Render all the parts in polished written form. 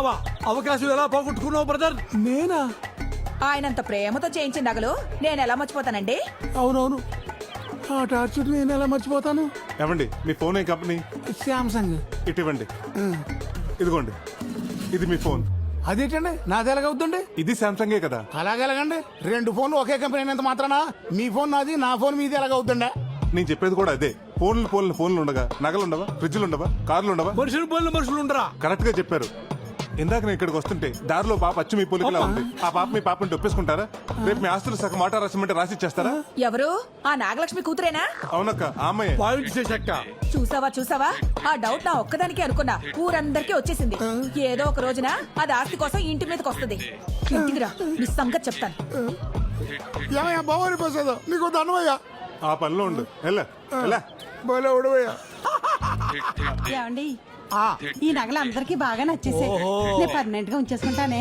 చేస్తున్నావా? అవకాశం ఎలా పోగొట్టుకున్నావు బ్రదర్? నేనా? ఆయనంత ప్రేమతో చేయించిన నగలు నేను ఎలా మర్చిపోతానండి? అవునవును, ఆ టార్చర్ నేను ఎలా మర్చిపోతాను? ఏమండి మీ ఫోన్ ఏ కంపెనీ? శాంసంగ్. ఇటు ఇవ్వండి. ఇదిగోండి, ఇది మీ ఫోన్. అదేంటండి నాది ఎలాగవుతుంది? ఇది శాంసంగే కదా. అలాగెలాగండి? 2 ఫోన్లు ఒకే కంపెనీ అయినంత మాత్రానా మీ ఫోన్ నాది, నా ఫోన్ మీది ఎలాగవుతుండే? నేను చెప్పేది కూడా అదే. ఫోన్లు ఉండగా నగలు ఉండవా? ఫ్రిడ్జ్లు ఉండవా? కార్లు ఉండవా? మనుషులు ఉండరా? కరెక్ట్ గా చెప్పారు. ఇందాక నేను ఇక్కడికి వస్తుంటే దారిలో పాప అచ్చు మీ పోలికలా ఉంది. ఆ పాప మీ పాపని ఒప్పేసుకుంటారా? రేపు మీ ఆస్తులు సగం మాట రాసిమంటే రాసి ఇచ్చేస్తారా? ఎవరు? ఆ నాగలక్ష్మి కూతురేనా? అవునక్క, ఆ అమ్మాయి. పాయింట్ చేశాక చూసావా? ఆ డౌట్ నా ఒక్కదానికి అనుకున్నా, ఊరందరికీ వచ్చేసింది. ఏదో ఒక రోజున అది ఆస్తి కోసం ఇంటి మీదకి వస్తుంది. ఇంటికి రా, నీ సంగతి చెప్తాను. ఏమయ్యా బావని ప్రసాద్, నీకు దండమయ్యా. ఆ పనిలో ఉండు. ఎలా బోలే ఉడవయ్యా. ఏమండి, ఈ నగలు అందరికి బాగా నచ్చేసాయి. నేను పర్మనెంట్ గా ఉంచేసుకుంటానే.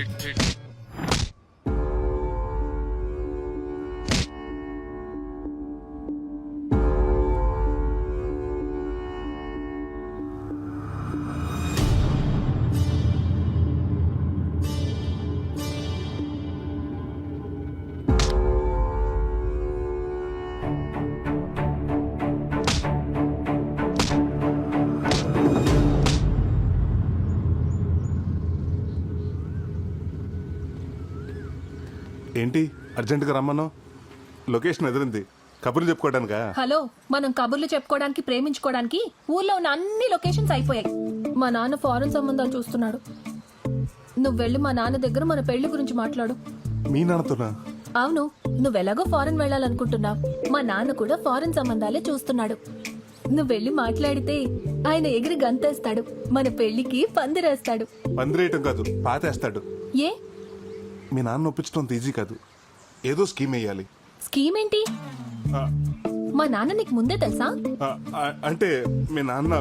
ఏంటి అర్జెంటుగా రమ్మను? లొకేషన్ ఎదిరింది. కబుర్లు చెప్పుకోవడానికా? హలో, మనం కబుర్లు చెప్పుకోవడానికి, ప్రేమించుకోవడానికి ఊర్లో ఉన్న అన్ని లొకేషన్స్ అయిపోయాయి. మా నాన్న ఫారెన్ సంబంధాలు చూస్తున్నాడు. నువ్వు వెళ్ళి మా నాన్న దగ్గర మన పెళ్లి గురించి మాట్లాడు. మీ నాన్నతోనా? అవును, నువ్వెలాగో ఫారెన్ వెళ్ళాలనుకుంటున్నావు. మా నాన్న కూడా ఫారెన్ సంబంధాలే చూస్తున్నాడు. నువ్వు వెళ్ళి మాట్లాడితే ఆయన ఎగిరి గంతేస్తాడు. మన పెళ్లికి పందిరేస్తాడు. పందిరేయటం కాదు, పాతేస్తాడు. ఏ? మీ నాన్న ఒప్పించడం అంత ఈజీ కాదు. ఏదో స్కీమ్ వేయాలి. స్కీమ్ ఏంటి? మా నాన్న నీకు ముందే తెలుసా? అంటే మీ నాన్న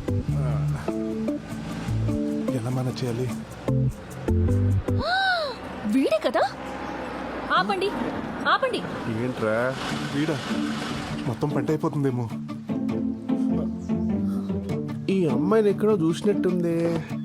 ఎలా మేనేజ్ చేయాలి? వీడే కదా. ఆపండి. ఏంట్రా వీడా? మొత్తం పంట అయిపోతుందేమో. ఈ అమ్మాయిని ఎక్కడో చూసినట్టుంది.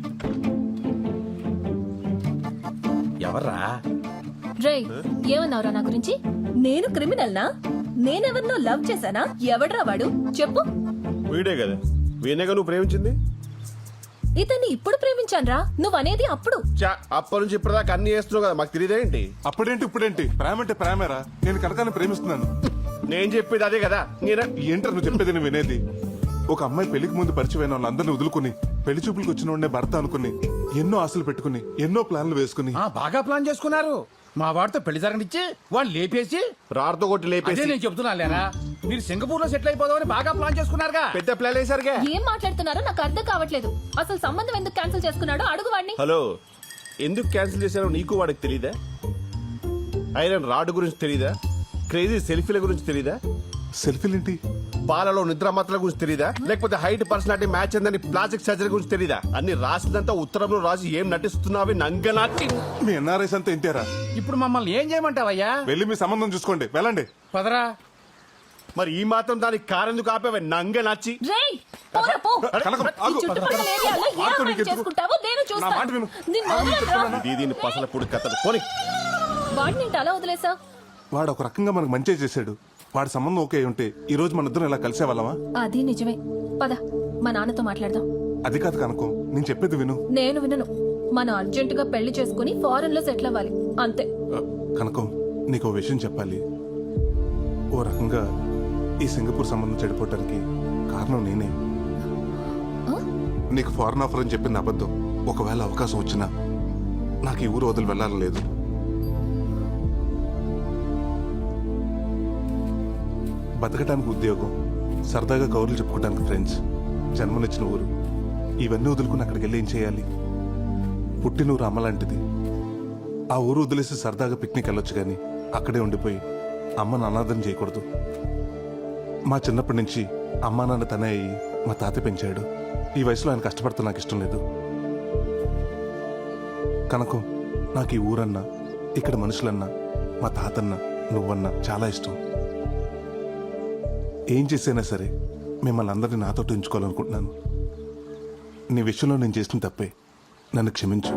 ఎవర్రా? రేయ్, ఏమన్నావురా నా గురించి? నేను క్రిమినల్నా? నేనెవరినో లవ్ చేశానా? ఎవడ్రా వాడు? చెప్పు. వీడే కదా, వీణేగా నువ్వు ప్రేమించింది. ఇతన్ని ఇప్పుడు ప్రేమించాన్రా. నువ్వనేది అప్పుడు. అప్పటి నుంచి ఇప్పటిదాకా అన్ని చేస్తున్నావు కదా, మాకు తెలియదేంటి? అప్పుడేంటి ఇప్పుడేంటి? ప్రేమ అంటే ప్రేమేరా. నేను కనకాన్ని ప్రేమిస్తున్నాను. నేను చెప్పేది అదే కదా. ఏంటారు నువ్వు చెప్పేది? నేను వినేది. ఒక అమ్మాయి పెళ్లికి ముందు పరిచయమైన వాళ్ళందరినీ వదులుకుని పెళ్లి చూపులకు వచ్చిన వాడినే భర్త అనుకుని ఎన్నో ఆశలు పెట్టుకుని ఎన్నో ప్లాన్లు వేసుకుని బాగా ప్లాన్ చేసుకున్నారు. మా వాడితో పెళ్లి జరగనిచ్చి వాళ్ళు లేపేసి రాడుతో కొట్టి లేపేసి. నేను చెప్తున్నా లేరా, మీరు సింగపూర్ లో సెటిల్ అయిపోదామని బాగా ప్లాన్ చేసుకున్నారుగా. పెద్ద ప్లాన్ వేసారుగా. ఏం మాట్లాడుతున్నారో నాకు అర్థం కావట్లేదు. అసలు సంబంధం ఎందుకు క్యాన్సిల్ చేసుకున్నాడో అడుగు వాడిని. హలో, ఎందుకు క్యాన్సిల్ చేశారో నీకు వాడికి తెలీదా? ఐరన్ రాడ్ గురించి తెలీదా? క్రేజీ సెల్ఫీల గురించి తెలీదా? సెల్ఫీలేంటి? పాలలో నిద్రమత్తల గురించి తెలీదా? లేకపోతే హైట్ పర్సనాలిటీ మ్యాచ్ అందని ప్లాస్టిక్ సర్జరీ గురించి తెలీదా? అన్ని రాసిందంతా ఉత్తరంలో రాసి ఏం నటిస్తున్నావి నంగనాటి. మీ ఎన్ఆర్ఐస్ అంతా ఇంటారా? ఇప్పుడు మమ్మల్ని ఏం చేయమంటావయ్యా? వెళ్ళి మీ సంబంధం చూసుకోండి, వెళ్ళండి. పదరా. మరి ఈ మాత్రం దానికి కారెందుకు ఆపేవే నంగనాచి? రేయ్, పోరా పో. కనకం, ఈ ఆగు. చుట్టుపక్కల ఏరియాలో ఏ ఆగు, అమ్మాయిని నీకు ఎందుకు? చేసుకుంటావో నేను నా మాట విను. చూస్తాను. నిన్ను వదలనురా. దీని పసల పొడి కథలు పోని. వాడిని ఏంటి అలా వదిలేసా? వాడు ఒక రకంగా మనకు మంచి చేశాడు. వాడి సంబంధం ఓకే ఉంటే ఈ రోజు మన ఇద్దరం ఇలా కలిసేవాళ్ళమా? అది నిజమే. పద, మా నాన్నతో మాట్లాడదాం. అది కాదు కనకం, నేను చెప్పేది విను. నేను వినను. మనం అర్జెంటుగా పెళ్లి చేసుకుని ఫారెన్ లో సెటిల్ అవ్వాలి, అంతే. కనకం, నీకు ఓ విషయం చెప్పాలి. ఓ రకంగా ఈ సింగపూర్ సంబంధం చెడిపోవటానికి కారణం నేనే. నీకు ఫారెన్ ఆఫర్ అని చెప్పింది అబద్ధం. ఒకవేళ అవకాశం వచ్చినా నాకు ఈ ఊరు వదిలి వెళ్ళాలని లేదు. బతకటానికి ఉద్యోగం, సరదాగా కౌరులు చెప్పుకోవడానికి ఫ్రెండ్స్, జన్మనిచ్చిన ఊరు, ఇవన్నీ వదులుకుని అక్కడికి వెళ్ళి ఏం చేయాలి? పుట్టినూరు అమ్మ లాంటిది. ఆ ఊరు వదిలేసి సరదాగా పిక్నిక్ వెళ్ళొచ్చు కానీ అక్కడే ఉండిపోయి అమ్మను అనాథం చేయకూడదు. మా చిన్నప్పటి నుంచి అమ్మా నాన్న తనే అయ్యి మా తాత పెంచాడు. ఈ వయసులో ఆయన కష్టపడతా నాకు ఇష్టం లేదు. కనకం, నాకు ఈ ఊరన్నా, ఇక్కడ మనుషులన్నా, మా తాతన్నా, నువ్వన్నా చాలా ఇష్టం. ఏం చేసైనా సరే మిమ్మల్ని అందరినీ నాతో ఉంచుకోవాలనుకుంటున్నాను. నీ విషయంలో నేను చేసిన తప్పే. నన్ను క్షమించు.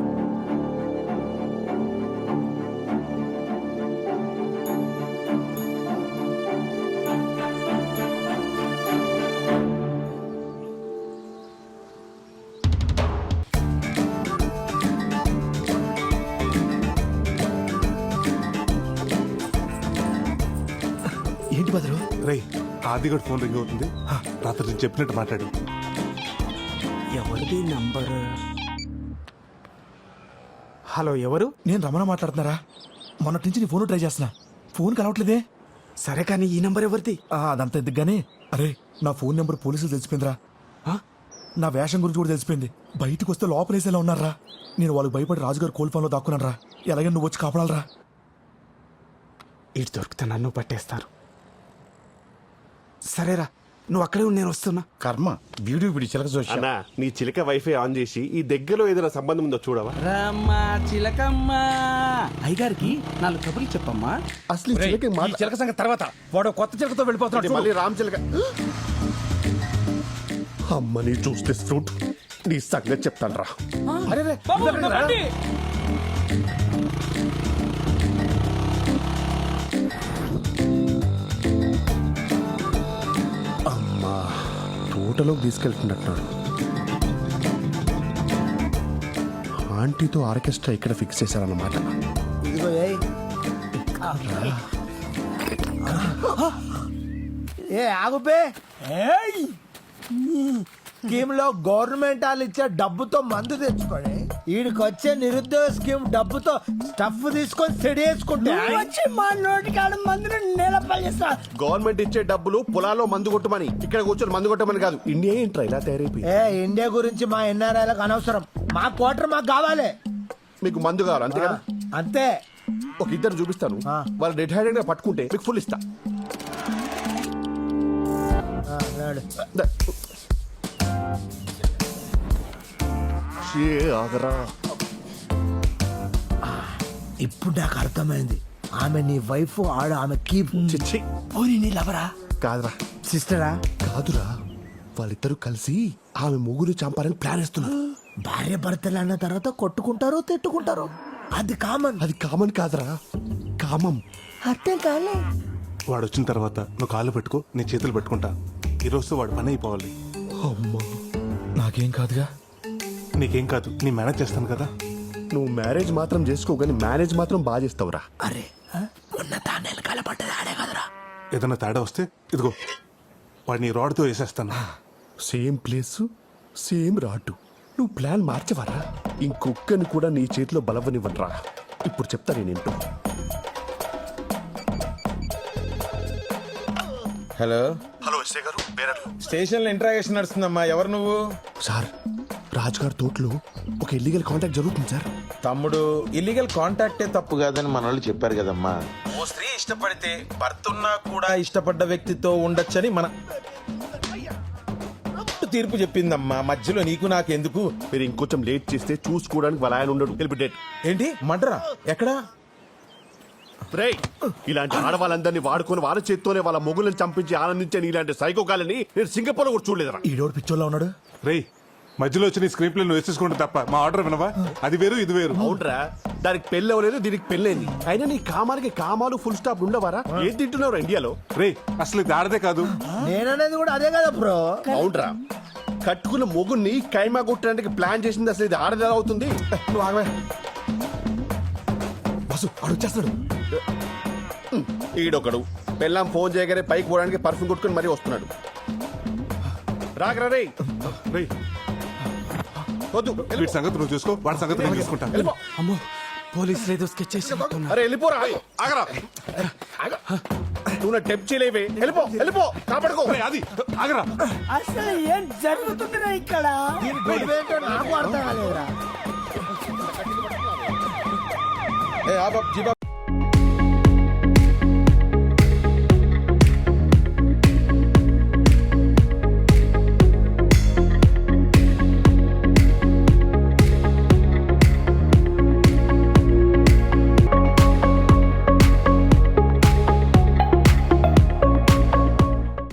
ఏంటి బదులు? రే, ఆదిగడ్ ఫోన్ రింగ్ అవుతుంది. రాత్రి నేను చెప్పినట్టు మాట్లాడు. ఎవరిది నంబర్? హలో, ఎవరు? నేను రమణ మాట్లాడుతున్నారా? మొన్నటి నుంచి నీ ఫోన్ ట్రై చేస్తున్నా, ఫోన్ కలవట్లేదే. సరే కానీ ఈ నంబర్ ఎవరిది? అదంతా ఎందుకు గానీ, అరే నా ఫోన్ నెంబర్ పోలీసులు తెలిసిపోయిందిరా. నా వేషం గురించి కూడా తెలిసిపోయింది. బయటకు వస్తే లోపలేసేలా ఉన్నారా. నేను వాళ్ళకి భయపడి రాజుగారు కోల్ ఫోన్లో దాక్కున్నాను రా. ఎలాగైనా నువ్వు వచ్చి కాపాడాలరా. ఇటు దొరికితే నన్ను పట్టేస్తారు. సరేరా, నువ్వు అక్కడే ఉండి నేను వస్తున్నా. కర్మ వీడియో వీడి చిలక చూసి అన్నా, నీ చిలక వైఫై ఆన్ చేసి ఈ దగ్గరలో ఏదైనా సంబంధం ఉందో చూడవా? రమ్మా చిలకమ్మ, అయ్యగారికి 4 కబుర్లు చెప్పమ్మా. అసలు ఈ చిలక మాట- చిలక సంగతి తర్వాత వాడు కొత్త చిలకతో వెళ్ళిపోతున్నాడు. మళ్ళీ రామ్ చిలక. అమ్మని చూస్తే ఫ్రూట్ నీ సంగతి చెప్తాను రా. అమ్మా, తోటలోకి తీసుకెళ్తున్నట్టున్నాడు. ఆంటీతో ఆర్కెస్ట్రా ఇక్కడ ఫిక్స్ చేశారన్నమాట. ఏ ఆగుపే. స్కీమ్ లో గవర్నమెంట్ వాళ్ళు ఇచ్చే డబ్బుతో మందు తెచ్చుకోండి. వీడికి వచ్చే నిరుద్యోగ స్కీమ్ డబ్బుతో స్టఫ్ తీసుకొని సెడేసుకుంటే వచ్చి మా నోటికాడ మందుని నిలపల్లిస్తా. గవర్నమెంట్ ఇచ్చే డబ్బులు పొలాల్లో మందు కొట్టమని, ఇక్కడ కూర్చొని మందు కొట్టమని కాదు. ఇండియా ఏంట్రా ఇలా తయారైపోయి? ఏ ఇండియా గురించి మా ఎన్ఆర్ఐలకు అనవసరం. మా క్వార్టర్ మాకు కావాలి. మీకు మందు కావాలి అంతే కదా? అంతే. ఒక ఇద్దరు చూపిస్తాను, వాళ్ళు డెడ్ హ్యాండెడ్ గా పట్టుకుంటే మీకు ఫుల్ ఇస్తా. ద- షే, ఆగరా. ఇప్పుడు నాకు అర్థమైంది. ఆమె నీ వైఫ్, ఆడు ఆమె కీప్. చిచ్చి, పోనీ నీ లవరా, కాదురా. సిస్టరా? కాదురా, వాళ్ళిద్దరూ కలిసి ఆమె ముగ్గురు చంపాలని ప్లాన్ వేస్తున్నారు. భార్య భర్తలు అన్న తర్వాత కొట్టుకుంటారు, తిట్టుకుంటారు. అది కామన్. అది కామన్ కాదురా, కామం. అర్థం కాలే. వాడు వచ్చిన తర్వాత నువ్వు కాళ్ళు పెట్టుకో, నీ చేతులు పెట్టుకుంటా. ఈరోజు వాడు పని అయిపోవాలి. అమ్మా, నాకేం కాదుగా. నీకేం కాదు, నీ మేనేజ్ చేస్తాను కదా. నువ్వు మ్యారేజ్ మాత్రం చేసుకో, కానీ మేనేజ్ మాత్రం బాగా చేస్తావురా. అరే మొన్న తానేలు కలపడ్డది ఆడే కదరా. ఏదైనా తేడా వస్తే ఇదిగో వాడిని రాడ్తో వేసేస్తాను. Same place, same rod. నువ్వు ప్లాన్ మార్చవరా? ఇంకొక్కని కూడా నీ చేతిలో బలవనివ్వనరా. ఇప్పుడు చెప్తా నేనేంటో. హలో హలో ఎస్ఐ గారు, బేరర్లు. స్టేషన్ లో ఇంట్రాగేషన్ నడుస్తుందమ్మా. ఎవరు నువ్వు? సార్, రాజుగారి తోటలో ఒక ఇల్లీగల్ కాంటాక్ట్ జరుగుతుంది సార్. తమ్ముడు, ఇల్లీగల్ కాంటాక్టే తప్పు కాదని మన వాళ్ళు చెప్పారు కదమ్మా. ఓ స్త్రీ ఇష్టపడితే భర్త ఉన్నా కూడా ఇష్టపడ్డ వ్యక్తితో ఉండొచ్చని మన తీర్పు చెప్పిందమ్మా. మధ్యలో నీకు నాకెందుకు? మీరు ఇంకొంచెం లేట్ చేస్తే చూసుకోవడానికి వాళ్ళ ఆయన ఉండడు. వెళ్ళిపెట్టేట్. ఏంటి మడ్రా? ఎక్కడా? రేయ్, ఇలాంటి ఆడవాళ్ళందరినీ వాడుకొని వాళ్ళ చేత్తోనే వాళ్ళ మొగులను చంపించి ఆనందించే ఇలాంటి సైకోకాలని నేను సింగపూర్ లో కూడా చూడలేదురా. ఈడోడు పిచ్చోళ్ళ ఉన్నాడు. రేయ్, మధ్యలో వచ్చి నీ స్క్రీన్ ప్లే నువ్వు వేసేసుకుంటే తప్ప మా ఆర్డర్ వినవా? అది వేరు, ఇది వేరు. అవునరా, దానికి పెళ్ళి అవ్వలేదు, దీనికి పెళ్ళైంది. అయినా నీ కామానికి కామాలు ఫుల్ స్టాప్ ఉండవారా? ఏం తింటున్నావు ఇండియాలో? రేయ్, అసలు ఇది ఆడదే కాదు. నేననేది కూడా అదే కదా బ్రో. అవునరా, కట్టుకున్న మొగుడిని కైమా కొట్టడానికి ప్లాన్ చేసింది అసలు ఇది ఆడది ఎలా అవుతుంది? నువ్వు ఆగవే. బస్సు వాడు వచ్చేస్తాడు. ఈడొకడు పెళ్ళాం ఫోన్ చేయగానే పైకి పోవడానికి పర్ఫ్యూమ్ కొట్టుకుని మరీ వస్తున్నాడు. రాగరా రేయ్. రేయ్, వద్దు, వీడి సంగతి నువ్వు చూసుకో, వాడి సంగతి నేను చూసుకుంటా. వెళ్ళిపో. అమ్మో, పోలీసులు ఏదో స్కెచ్ చేసి అరే వెళ్ళిపోరా. ఆగరా. నువ్వు నా టెప్ చేయలేవే. వెళ్ళిపో, వెళ్ళిపో, కాపాడుకో. రేయ్, అది ఆగరా. అసలు ఏం జరుగుతుందిరా ఇక్కడ? దీని గొడవేంటో నాకు అర్థం కాలేదురా. ఏ ఆప్ జీప్